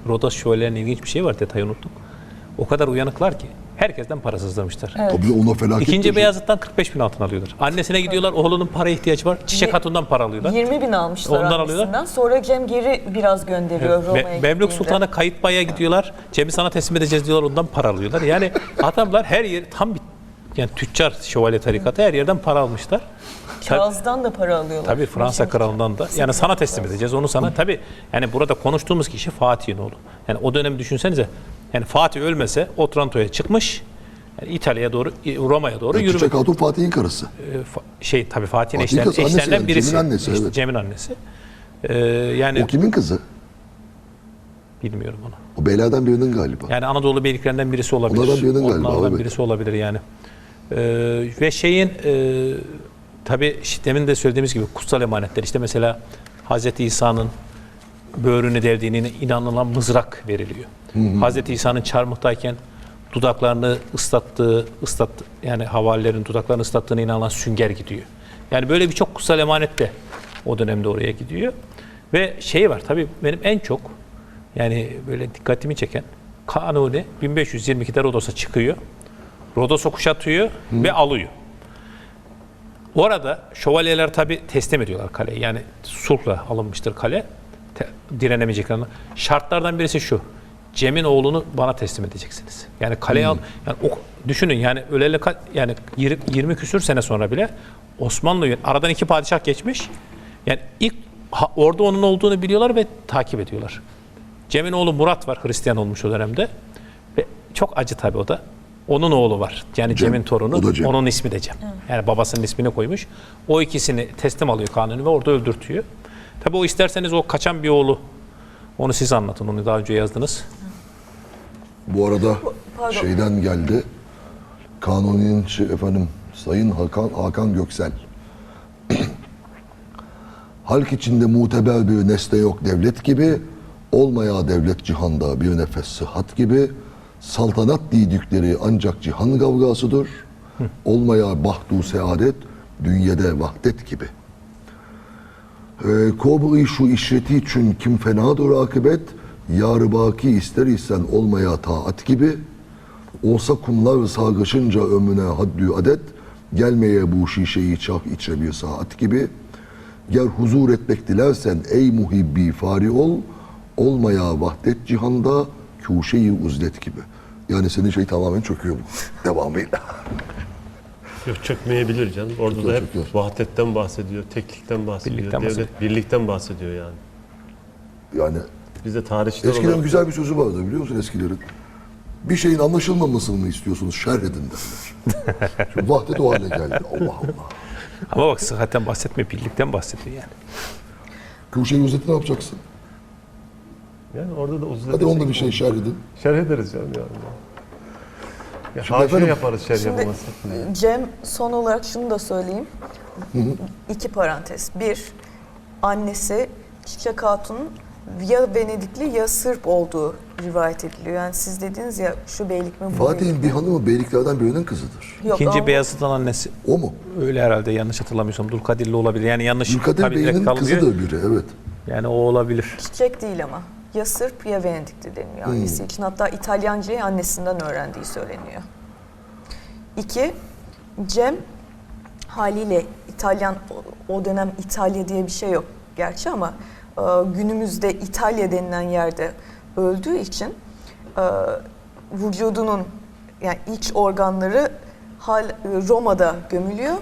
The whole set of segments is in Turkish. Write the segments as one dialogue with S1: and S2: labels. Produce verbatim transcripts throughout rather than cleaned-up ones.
S1: Rodos şövalyelerinin ilginç bir şey var, detayı unuttuk. O kadar uyanıklar ki herkesten parasızlamışlar.
S2: Evet.
S3: Tabii ona felaket.
S1: İkinci Beyazıt'tan kırk beş bin altın alıyorlar. Annesine gidiyorlar, oğlunun paraya ihtiyacı var. Çiçek Hatun'dan para alıyorlar.
S2: yirmi bin almışlar
S1: Ondan
S2: annesinden.
S1: alıyorlar.
S2: Sonra Cem geri biraz gönderiyor
S1: Evet.
S2: Roma'ya
S1: Me-
S2: gittiğinde.
S1: Memlük Sultan'a Kayıtbay'a gidiyorlar. Cem'i sana teslim edeceğiz diyorlar, ondan para alıyorlar. Yani adamlar her yer tam bir yani tüccar şövalye tarikatı, her yerden para almışlar.
S2: Charles'dan da para alıyorlar.
S1: Tabii Fransa kralından da. Yani sana teslim edeceğiz, onu sana. Tabii yani burada konuştuğumuz kişi Fatih'in oğlu. Yani o dönemi düşünsenize. Yani Fatih ölmese Otranto'ya çıkmış. Yani İtalya'ya doğru, Roma'ya doğru
S3: Yani
S1: yürümek.
S3: Çiçek Hatun Fatih'in karısı.
S1: Ee, fa- şey tabii Fatih'in
S3: Fatih'in
S1: eşler,
S3: kızı, annesi
S1: eşlerinden
S3: yani,
S1: birisi.
S3: Cem'in annesi,
S1: İşte
S3: evet.
S1: Cem'in annesi. Ee, yani
S3: O kimin kızı?
S1: bilmiyorum onu.
S3: O beylerden birinin galiba.
S1: Yani Anadolu beyliklerinden birisi olabilir.
S3: Onlardan birinin galiba,
S1: Onlardan
S3: evet.
S1: birisi olabilir yani. Ee, ve şeyin e, tabii işte demin de söylediğimiz gibi kutsal emanetler. İşte mesela Hazreti İsa'nın böğrünü deldiğine inanılan mızrak veriliyor. Hı hı. Hazreti İsa'nın çarmıhtayken dudaklarını ıslattığı, ıslat yani havarilerin dudaklarını ıslattığına inanılan sünger gidiyor. Yani böyle birçok kutsal emanet de o dönemde oraya gidiyor. Ve şey var tabii benim en çok yani böyle dikkatimi çeken Kanuni bin beş yüz yirmi ikide Rodos'a çıkıyor. Rodos'u kuşatıyor Hı. ve alıyor. Orada şövalyeler tabii teslim ediyorlar kaleyi. Yani sulhla alınmıştır kale. Te, direnemeyeceklerini. Şartlardan birisi şu. Cem'in oğlunu bana teslim edeceksiniz. Yani kaleye al. Yani o, düşünün yani öleli yani yirmi küsür sene sonra bile Osmanlı aradan iki padişah geçmiş. Yani ilk ha, orada onun olduğunu biliyorlar ve takip ediyorlar. Cem'in oğlu Murat var, Hristiyan olmuş o dönemde. Ve çok acı tabii o da. Onun oğlu var. Yani
S3: Cem,
S1: Cem'in torunu.
S3: Cem.
S1: Onun ismi de Cem. Evet. Yani babasının ismini koymuş. O ikisini teslim alıyor Kanuni ve orada öldürtüyor. Tabii o isterseniz o kaçan bir oğlu. Onu siz anlatın. Onu daha önce yazdınız.
S3: Bu arada
S2: Pardon.
S3: şeyden geldi. Kanuni'nin şey, efendim Sayın Hakan, Hakan Göksel. Halk içinde muteber bir nesne yok devlet gibi, olmaya devlet cihanda bir nefes sıhhat gibi, saltanat didikleri ancak cihan kavgasıdır, olmaya bahtu saadet, dünyada vahdet gibi. Ee, Kobri şu işreti için kim fenadır akıbet, yar baki ister isen olmaya taat gibi, olsa kumlar sargışınca ömrüne haddü adet, gelmeye bu şişeyi çah içe bir saat gibi, ger huzur etmek dilersen ey muhibbi fari ol, olmaya vahdet cihanda kuşeyi uzlet gibi. Yani senin şey tamamen çöküyor bu devamıyla.
S4: Yok çökmeyebilir canım. Orada
S3: Çöküyor,
S4: da hep
S3: çöküyor.
S4: vahdetten bahsediyor, teklikten bahsediyor,
S1: Birlikten
S4: devlet
S1: bahsediyor.
S4: birlikten bahsediyor yani.
S3: Yani
S4: Biz de tarihçiler
S3: eskilerin
S4: olarak
S3: güzel bir sözü vardı biliyor musun eskilerin? Bir şeyin anlaşılmamasını mı istiyorsunuz? Şerh edin derler. Şimdi vahdet o hale geldi. Allah Allah.
S1: Ama bak sıhhatten bahsetmiyor, birlikten bahsediyor yani.
S3: Kuşeyi uzeti ne yapacaksın?
S4: yani orada da uzun
S3: Hadi onda bir şey şerh edin.
S4: şerh ederiz canım yani. Ya
S3: Şimdi
S4: haşiye
S3: efendim-
S4: yaparız şerh
S2: Şimdi
S4: yapamazsak.
S2: Cem son olarak şunu da söyleyeyim. İki parantez. Bir, annesi Çiçek Hatun'un ya Venedikli ya Sırp olduğu rivayet ediliyor. Yani siz dediniz ya şu beylik mi bu beylik
S3: Fatih'in
S2: mi?
S3: bir hanımı beyliklerden birinin kızıdır.
S2: Yok,
S1: İkinci
S2: ama
S1: Beyazıt'ın annesi
S3: O mu?
S1: öyle herhalde, yanlış hatırlamıyorsam. Dulkadirli olabilir. Yani yanlış
S3: Ülkadir
S1: tabii direkt
S3: Bey'in
S1: kalmıyor.
S3: kızıdır biri, evet.
S1: Yani o olabilir.
S2: Çiçek değil ama. Ya Sırp ya Venedikli deniliyor annesi için. Hatta İtalyancayı annesinden öğrendiği söyleniyor. İki, Cem haliyle İtalyan, o- o dönem İtalya diye bir şey yok gerçi ama e, günümüzde İtalya denilen yerde öldüğü için e, vücudunun yani iç organları hal, Roma'da gömülüyor.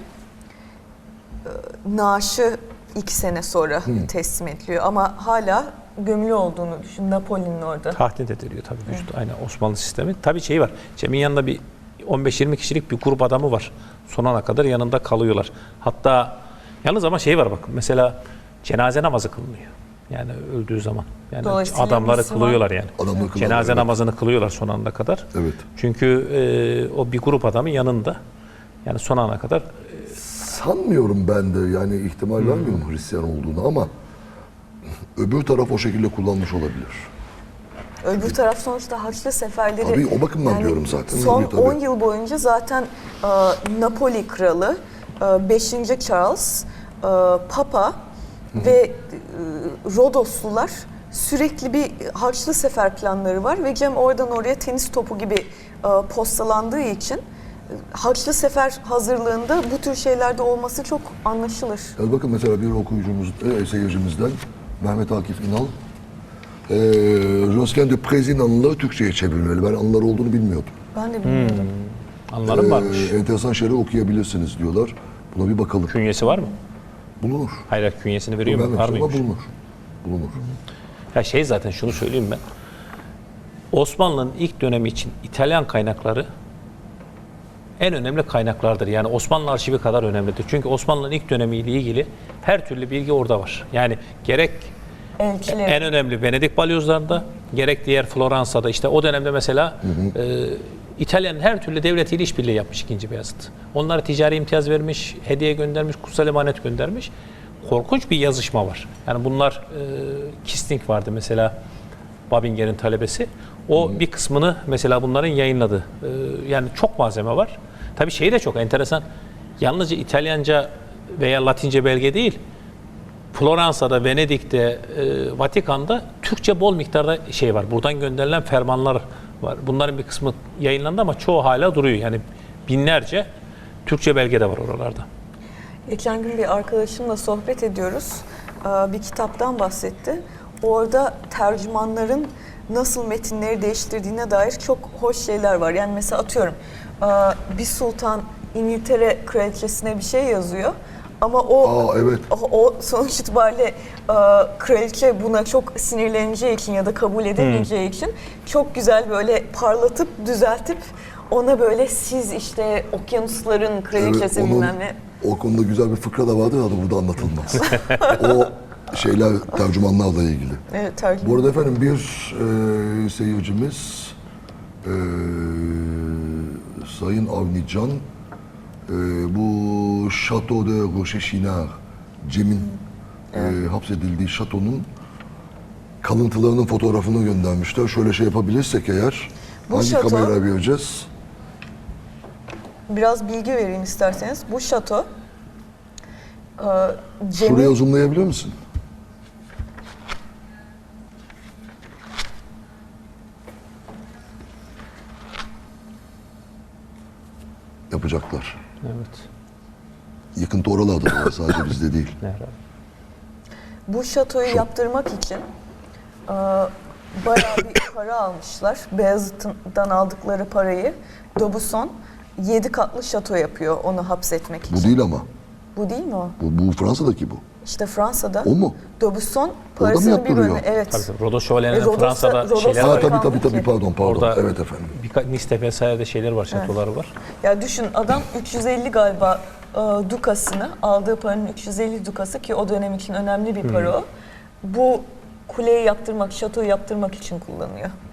S2: E, naaşı iki sene sonra teslim ediliyor ama hala gömülü olduğunu düşün. Napoli'nin orada.
S1: Tahdit ediliyor tabii vücut. Aynen Osmanlı sistemi. Tabii şey var. Cem'in yanında bir on beş yirmi kişilik bir grup adamı var. Son ana kadar yanında kalıyorlar. Hatta yalnız ama şey var bak. Mesela cenaze namazı kılınıyor. Yani öldüğü zaman. Yani
S2: Dolayısıyla
S1: adamları
S2: Müslüman-
S1: kılıyorlar yani.
S3: Adamları kılıyorlar,
S1: Cenaze
S3: evet.
S1: namazını kılıyorlar son ana kadar.
S3: Evet.
S1: Çünkü e, o bir grup adamın yanında. Yani son ana kadar
S3: Sanmıyorum ben de yani ihtimal vermiyorum Hristiyan olduğunu ama öbür taraf o şekilde kullanmış olabilir.
S2: Öbür taraf sonuçta Haçlı seferleri...
S3: Tabii, o bakımdan diyorum zaten.
S2: Son
S3: Tabii, tabii.
S2: on yıl boyunca zaten e, Napoli kralı, e, beşinci Charles, e, Papa ve e, Rodoslular sürekli bir harçlı sefer planları var ve Cem oradan oraya tenis topu gibi e, postalandığı için e, harçlı sefer hazırlığında bu tür şeylerde olması çok anlaşılır.
S3: Yani bakın mesela bir okuyucumuz, e, seyircimizden Mehmet Akif İnal, e, Josquin de Préz'in anıları Türkçe'ye çevrilmeli. Ben anıları olduğunu bilmiyordum.
S2: Ben de bilmiyordum.
S1: Anlarım
S3: E,
S1: varmış.
S3: enteresan şeyler okuyabilirsiniz diyorlar. Buna bir bakalım.
S1: Künyesi var mı?
S3: Bulunur.
S1: Hayır, künyesini veriyor mu?
S3: Ben
S1: Var
S3: ama
S1: mıymış?
S3: bulunur. Bulunur.
S1: Ya şey, zaten şunu söyleyeyim ben. Osmanlı'nın ilk dönemi için İtalyan kaynakları en önemli kaynaklardır. Yani Osmanlı arşivi kadar önemlidir. Çünkü Osmanlı'nın ilk dönemiyle ilgili her türlü bilgi orada var. Yani gerek
S2: Elçiler.
S1: en önemli Venedik balyozlarında, gerek diğer Floransa'da, işte o dönemde mesela e, İtalya'nın her türlü devletiyle işbirliği yapmış ikinci Beyazıt. Onlara ticari imtiyaz vermiş, hediye göndermiş, kutsal emanet göndermiş. Korkunç bir yazışma var. Yani bunlar, e, Kisting vardı mesela, Babinger'in talebesi. O bir kısmını mesela bunların yayınladı. E, yani çok malzeme var. Tabii şey de çok enteresan. Yalnızca İtalyanca veya Latince belge değil, Floransa'da, Venedik'te, e, Vatikan'da Türkçe bol miktarda şey var. Buradan gönderilen fermanlar var. Bunların bir kısmı yayınlandı ama çoğu hala duruyor. Yani binlerce Türkçe belge de var oralarda.
S2: Geçen gün bir arkadaşımla sohbet ediyoruz. Ee, Bir kitaptan bahsetti. Orada tercümanların nasıl metinleri değiştirdiğine dair çok hoş şeyler var. Yani mesela atıyorum e, bir sultan İngiltere kraliçesine bir şey yazıyor. Ama o,
S3: Aa, evet.
S2: o, o sonuç itibariyle e, kraliçe buna çok sinirleneceği için ya da kabul edemeyeceği için çok güzel böyle parlatıp düzeltip ona böyle siz işte okyanusların kraliçesi
S3: Evet, onun-
S2: bilmem ne.
S3: O konuda güzel bir fıkra da vardır da burada anlatılmaz. O şeyler tercümanlarla ilgili.
S2: Evet, tercüman.
S3: Bu arada efendim bir e, seyircimiz e, Sayın Avni Can e, bu Chateau de Rochechouart, Cem'in e, hapsedildiği şatonun kalıntılarının fotoğrafını göndermişler. Şöyle şey yapabilirsek eğer,
S2: Bu
S3: hangi
S2: şato-
S3: kameraya vereceğiz?
S2: Biraz bilgi vereyim isterseniz. Bu şato e, Cem'in
S3: Şuraya zoomlayabilir misin? Yapacaklar.
S1: Evet.
S3: Yıkıntı oralarda da var, sadece bizde değil.
S1: Herhalde.
S2: bu şatoyu yaptırmak için e, bayağı bir para almışlar. Beyazıt'tan aldıkları parayı D'Aubusson yedi katlı şato yapıyor onu hapsetmek için.
S3: Bu değil ama.
S2: Bu değil mi o?
S3: Bu, bu Fransa'daki bu.
S2: İşte Fransa'da.
S3: O mu?
S2: D'Aubusson
S3: mı
S2: parasının bir
S3: yaptırıyor?
S2: bölümü. Evet.
S1: Tabii tabii. Rodos Şövalyelerinin
S2: E, Rodos'ta-
S1: Fransa'da
S2: Rodos'ta-
S1: şeyler
S3: Ha
S1: var.
S3: tabii tabii
S2: kaldı
S3: tabii
S2: ki.
S3: pardon pardon.
S1: Orada
S3: Evet efendim.
S1: birkaç Nice vesaire şeyler var, şatoları var.
S2: Ya düşün adam üç yüz elli galiba e, dukasını aldığı paranın üç yüz elli dukası ki o dönem için önemli bir para o. Bu kuleyi yaptırmak, şatoyu yaptırmak için kullanıyor.